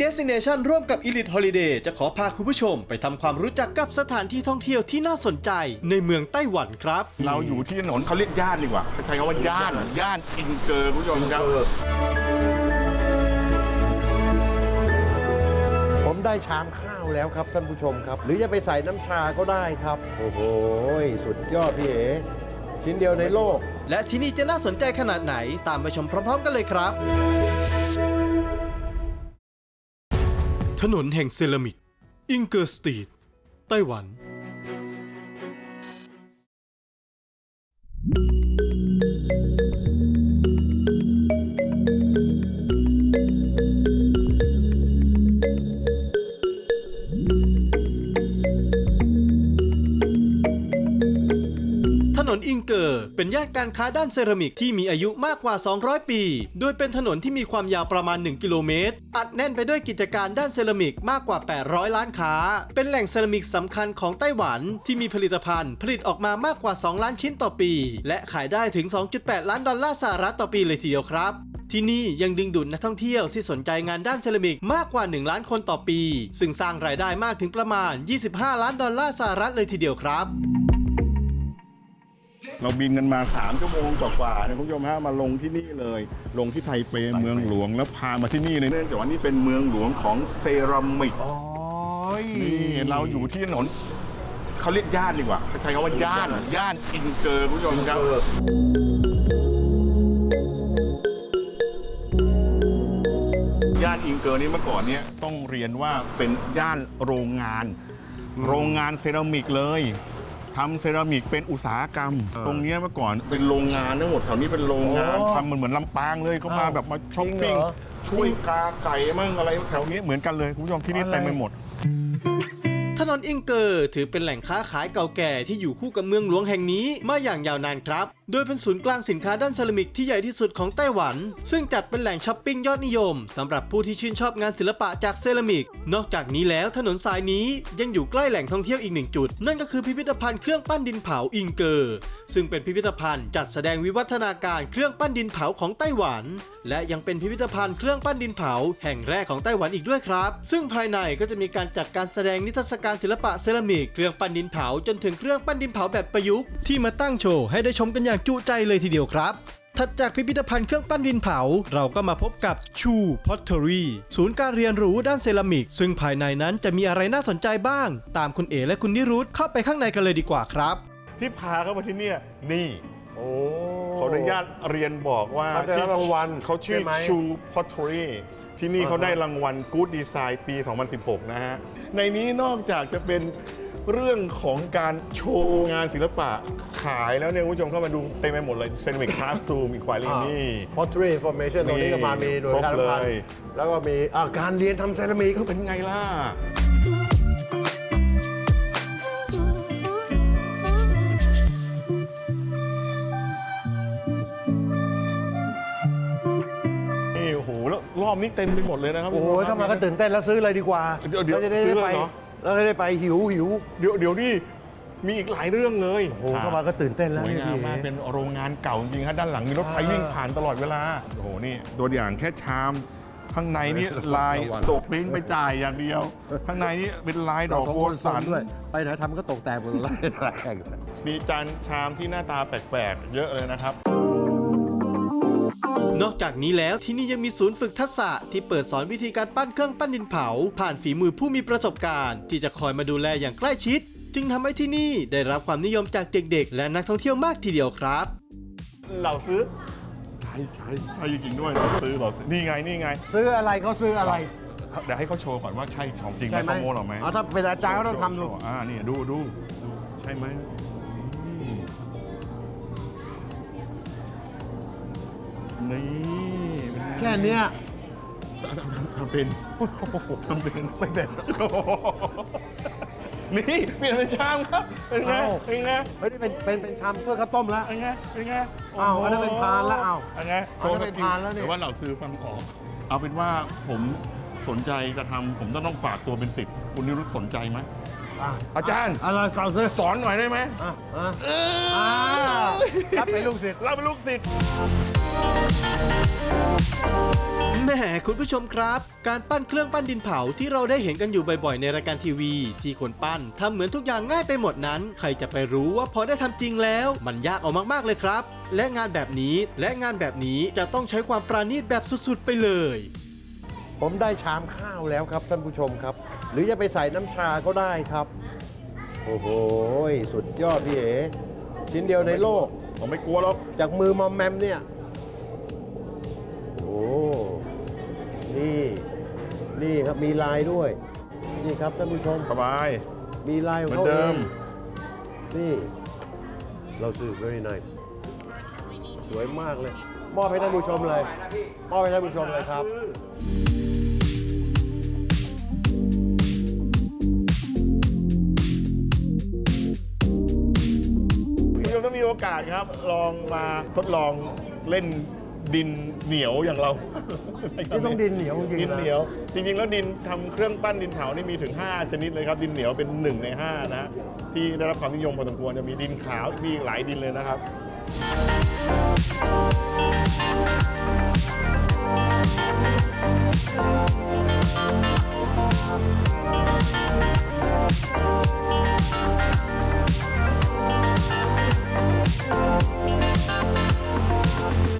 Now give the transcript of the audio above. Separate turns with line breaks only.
Destination ร่วมกับ Elite Holiday จะขอพาคุณผู้ชมไปทำความรู้จักกับสถานที่ท่องเที่ยวที่น่าสนใจในเมืองไต้หวันครับ
เราอยู่ที่ถนนเขาเรียกย่านดีกว่าใช้คำว่าย่านอิงเกอร์คุณผู้ชมครับ
ผมได้ชามข้าวแล้วครับท่านผู้ชมครับหรือจะไปใส่น้ำชาก็ได้ครับโอ้โหสุดยอดพี่เอ๋ชิ้นเดียวในโลก
และที่นี่จะน่าสนใจขนาดไหนตามไปชมพร้อมๆกันเลยครับถนนแห่งเซรามิกอิงเกอร์สตรีทไต้หวันถนนอิงเกอร์เป็นย่านการค้าด้านเซรามิกที่มีอายุมากกว่า 200 ปี โดยเป็นถนนที่มีความยาวประมาณ 1 กิโลเมตร อัดแน่นไปด้วยกิจการด้านเซรามิกมากกว่า 800 ล้านค้า เป็นแหล่งเซรามิกสำคัญของไต้หวันที่มีผลิตภัณฑ์ผลิตออกมามากกว่า 2 ล้านชิ้นต่อปี และขายได้ถึง 2.8 ล้านดอลลาร์สหรัฐต่อปีเลยทีเดียวครับ ที่นี่ยังดึงดูดนักท่องเที่ยวที่สนใจงานด้านเซรามิกมากกว่า 1 ล้านคนต่อปี ซึ่งสร้างรายได้มากถึงประมาณ 25 ล้านดอลลาร์สหรัฐเลยทีเดียวครับ
เราบินกันมา3 ชั่วโมงกว่าๆนะคุณผู้ชมฮะมาลงที่นี่เลยลงที่ไทเปเมืองหลวงแล้วพามาที่นี่เลยเนื่องจากว่านี่เป็นเมืองหลวงของเซรามิกนี่เราอยู่ที่ถนนเขาเรียกย่านดีกว่าใช้คำว่าย่านอิงเกอร์คุณผู้ชมครับย่านอิงเกอร์นี้เมื่อก่อนเนี่ยต้องเรียนว่าเป็นย่านโรงงานเซรามิกเลยทำเซรามิกเป็นอุตสาหกรรมตรงนี้เมื่อก่อนเป็นโรงงานทั้งหมดแถวนี้เป็นโรงงานทำเหมือนลำปางเลยเขามาแบบมาช้อปปิ้งช่วยกาไก่มั่งอะไรแถวนี้เหมือนกันเลยคุณผู้ชมที่นี่เต็มไปหมด
ถนนอิงเกอร์ถือเป็นแหล่งค้าขายเก่าแก่ที่อยู่คู่กับเมืองหลวงแห่งนี้มาอย่างยาวนานครับโดยเป็นศูนย์กลางสินค้าด้านเซรามิกที่ใหญ่ที่สุดของไต้หวันซึ่งจัดเป็นแหล่งช้อปปิ้งยอดนิยมสำหรับผู้ที่ชื่นชอบงานศิลปะจากเซรามิกนอกจากนี้แล้วถนนสายนี้ยังอยู่ใกล้แหล่งท่องเที่ยวอีก1 จุดนั่นก็คือพิพิธภัณฑ์เครื่องปั้นดินเผาอิงเกอร์ซึ่งเป็นพิพิธภัณฑ์จัดแสดงวิวัฒนาการเครื่องปั้นดินเผาของไต้หวันและยังเป็นพิพิธภัณฑ์เครื่องปั้นดินเผาแห่งแรกของไต้หวันอีกด้วยครับซึ่งภายในก็จะมีการจัดการแสดงนิทรรศการศิลปะเซรามิกเครื่องปั้นดินเผาจนถึงเครื่องปั้นดินเผาแบบประยุกต์ที่มาตั้งโชว์ให้ได้ชมกันอย่างจุใจเลยทีเดียวครับถัดจากพิพิธภัณฑ์เครื่องปั้นดินเผาเราก็มาพบกับชูพอตเทอรี่ศูนย์การเรียนรู้ด้านเซรามิกซึ่งภายในนั้นจะมีอะไรน่าสนใจบ้างตามคุณเอ๋และคุณนิรุธเข้าไปข้างในกันเลยดีกว่าครับ
ที่พาเข้ามาที่นี่นี่ขออนุญาตเรียนบอกว่า
ที่รางวัล
เขาชื่อชูพอตเทอรี่ที่นี่เขาได้รางวัล Good Design ปี 2016 นะฮะในนี้นอกจากจะเป็นเรื่องของการโชว์งานศิลปะขายแล้วเนี่ยคุณผู้ชมเข้ามาดูเต็มไปหมดเลยเซรามิกคลาสรูมอีกควายนี่
Pottery Information ตรงนี้ก็มามีหน่วยการพันแล้วก็มีการเรียนทำเซรามิก
ก็เป็นไงล่ะโอ้โหแล้วรอบนี้เต็มไปหมดเลยนะครับ
โอ้โหเข้ามาก็ตื่นเต้นแล้วซื้อเลยดีกว่า
เดี๋ยวซื้อเลยเหรอ
แล้วจะได้ไปหิว
เดี๋ยวนี่มีอีกหลายเรื่องเลย
โอ้โหเข้ามาก็ตื่นเต้นแล้ว
สวยงามมากเป็นโรงงานเก่าจริงๆครับด้านหลังมีรถไฟวิ่งผ่านตลอดเวลาโอ้โหนี่ตัวอย่างแค่ชามข้างในนี่ลายตกปริ้นไปจ่ายอย่างเดียวข้างในนี่เป็นลายดอกโบสัน
ด้วยไปไหนทำก็ตกแต่งหมดเลย
มีจานชามที่หน้าตาแปลกๆเยอะเลยนะครับ
นอกจากนี้แล้วที่นี่ยังมีศูนย์ฝึกทักษะที่เปิดสอนวิธีการปั้นเครื่องปั้นดินเผาผ่านฝีมือผู้มีประสบการณ์ที่จะคอยมาดูแลอย่างใกล้ชิดจึงทำให้ที่นี่ได้รับความนิยมจากเด็กๆและนักท่องเที่ยวมากทีเดียวครับ
เราซื้อใช่จริงๆด้วยเราซื้อนี่ไง
ซื้ออะไรเขาซื้ออะไร
เดี๋ยวให้เขาโชว์ก่อนว่าใช่ของจริงไหมโปรโมทหรอไหม
ถ้าเป็นอาจารย์ก็ต้องทำดู
นี่ดูใช่ไหมนี่
แค่นี้
ทำเป็นไม่เป็นนี่เปลี่ยนเป็นชามครับเป็นไง
ไม่ได้เป็นชามถ้วยข้าวต้มแล้ว
เป็นไง
อันนั้นเป็นพานแล้ว
อันนี้
เป็นพานแล้วเนี่ย
แต่ว่าเราซื้อฟังออกเอาเป็นว่าผมสนใจจะทำผมต้องฝากตัวเป็น10คุณนิรุตสนใจไหมอาจารย์
อะไรสอนซื้อ
สอนหน่อยได้ไหม
รับเป็นลูกศิษย์
เราเป็นลูกศิษย์
แหม่คุณผู้ชมครับ การปั้นเครื่องปั้นดินเผาที่เราได้เห็นกันอยู่บ่อยๆในรายการทีวี ที่คนปั้นทำเหมือนทุกอย่างง่ายไปหมดนั้น ใครจะไปรู้ว่าพอได้ทำจริงแล้ว มันยากเอามากๆเลยครับ และงานแบบนี้จะต้องใช้ความปราณีตแบบสุดๆไปเลย
ผมได้ชามข้าวแล้วครับท่านผู้ชมครับ หรือจะไปใส่น้ำชาก็ได้ครับ โอ้โหสุดยอดพี่เอ๋ชิ้นเดียวในโลก
ผมไม่กลัวหรอก
จากมือมอมแมมเนี่ย โอ้ นี่ครับมีลายด้วย นี่ครับท่านผู้ชม
สบาย
มีลายของเขา
เหมือนเดิ
เอง
ม
นี่ เราซื้อ very nice สวยมากเลย มอบให้ท่านผู้ชมเลย มอบให้ท่านผู้ชมเลยครับ
คุณผู้ชมถ้ามีโอกาสครับ ลองมาทดลองเล่นดินเหนียวอย่างเรา
นี่ต้องดินเหนียวจริงๆนะ
ดินเหนียว จริงๆ แล้วดินทำเครื่องปั้นดินเผานี่มีถึง 5 ชนิดเลยครับ ดินเหนียวเป็น1 ใน 5 นะฮะที่ได้รับความนิยมพอสมควรจะมีดินขาวมีอีกหลายดินเลยนะครับ